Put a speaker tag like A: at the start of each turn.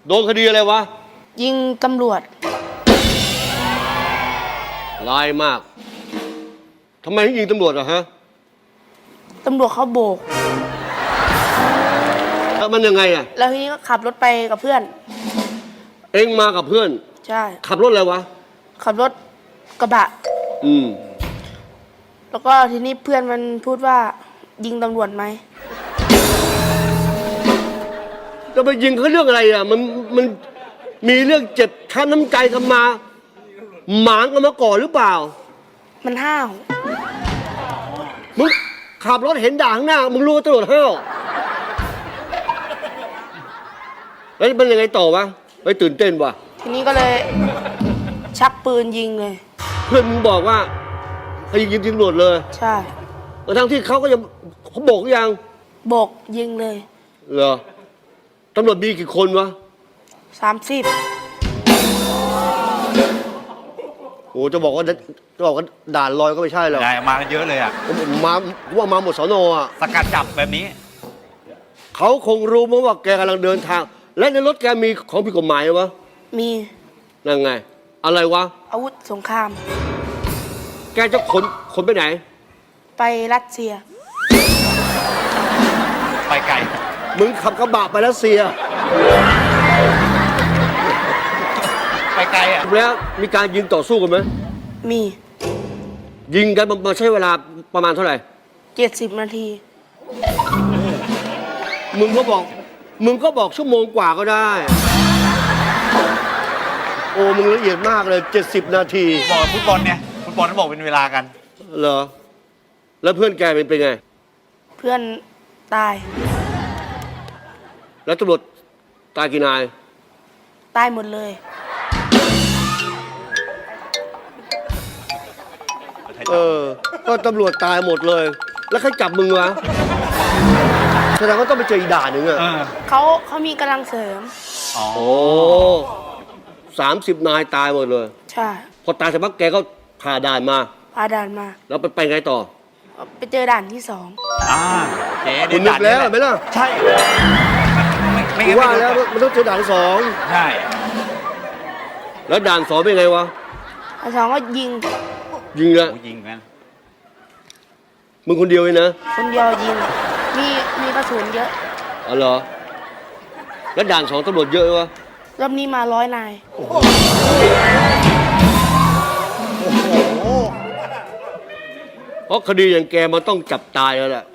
A: โดนคดีอะไรวะ
B: ยิงตำรวจ
A: ร้ายมากทำไมถึงยิงตำรวจอะฮะ
B: ตำรวจเขาโบก
A: แล้วมันยังไงอะ
B: แล้วทีนี้ก็ขับรถไปกับเพื่อน
A: เอ็งมากับเพื่อน
B: ใช่
A: ขับรถอะไรวะ
B: ขับรถกระบะ
A: อืม
B: แล้วก็ทีนี้เพื่อนมันพูดว่ายิงตำรวจไหม
A: จะไปยิงเขาเรื่องอะไรอะมันมีเรื่องเจ็บช้ำน้ำใจกันมาหมางกันมาก่อนหรือเปล่า
B: มันห้าว
A: มึงขับรถเห็นด่าข้างหน้ามึงรู้ว่าตำรวจห้าวแล้วมันยังไงต่อวะไปตื่นเต้นวะ
B: ทีนี้ก็เลยชักปืนยิงเลย
A: เพื่อนมึงบอกว่าให้ยิงตำรวจเลย
B: ใช่
A: ทั้งที่เขาก็ยังเขาบอกหรือยัง
B: โบกยิงเลย
A: เหรอตำรวจมีกี่คนวะ
B: 30
A: โอ้จะบอกว่าด่านลอยก็ไม่ใช่หรอก
C: ได้มากันเยอะเลยอ่ะ
A: มาว่ามาหมดสนอ่ะ
C: สกัดจับแบบนี้
A: เขาคงรู้มั้งว่าแกกำลังเดินทาง และในรถแกมีของผิดกฎหมายวะ
B: มี
A: นั่นไง อะไรวะ
B: อาวุธสงคราม
A: แกจะขนไปไหน
B: ไปรัสเซีย
C: ไปไกล
A: มึงขับกระบะไปรัสเซีย
C: ไปไกลอ่ะ
A: แล้วมีการยิงต่อสู้กันไหม
B: มี
A: ยิงกันมาใช้เวลาประมาณเท่าไหร่
B: 70 นาที
A: มึงก็บอกชั่วโมงกว่าก็ได้ โอ้มึงละเอียดมากเลย70 นาที
C: บอกฟุตบอลเนี่ยฟุตบอลต้องบอกเป็นเวลากัน
A: เหรอ แล้วเพื่อนแกเป็นไง
B: เพื่อนตาย
A: แล้วตำรวจตายกี่นาย
B: ตายหมดเลย
A: ก็ตำรวจตายหมดเลย แล้วใครจับมึงวะ แสดงว่าต้องไปเจออีกด่านหนึ่งอะ
B: เขามีกำลังเสริม
C: อ๋อ
A: โอ้30 นายตายหมดเลย
B: ใช่
A: พอตายเสร็จปั๊บแกก็ผ่าด่านมา
B: พาด่านมา
A: แล้วไปไงต่อ
B: ไปเจอด่านที่
C: อ่าเจ๊
A: คุณนึกแล้วเห็นไหมล่ะ
C: ใช่ ไม่
A: กู
C: งั้น
A: ว่า
C: ไม่
A: แล้ว
C: รู้
A: มันต้องเจอด่านที่สอง
C: ใช่
A: แล้วด่านสองเป็นไงวะ
B: 2ด่าน 2ก็ยิง
A: ยิงละ
C: โอ้ยิงกัน
A: มึงคนเดียวเลยนะ
B: คนเดียวยิง มีกระสุนเยอะ
A: อ๋อเหรอ แล้วด่านสองตำรวจเยอะวะ
B: รอบนี้มา100 นาย
A: เพราะคดีอย่างแกมันต้องจับตายแล้วแหละ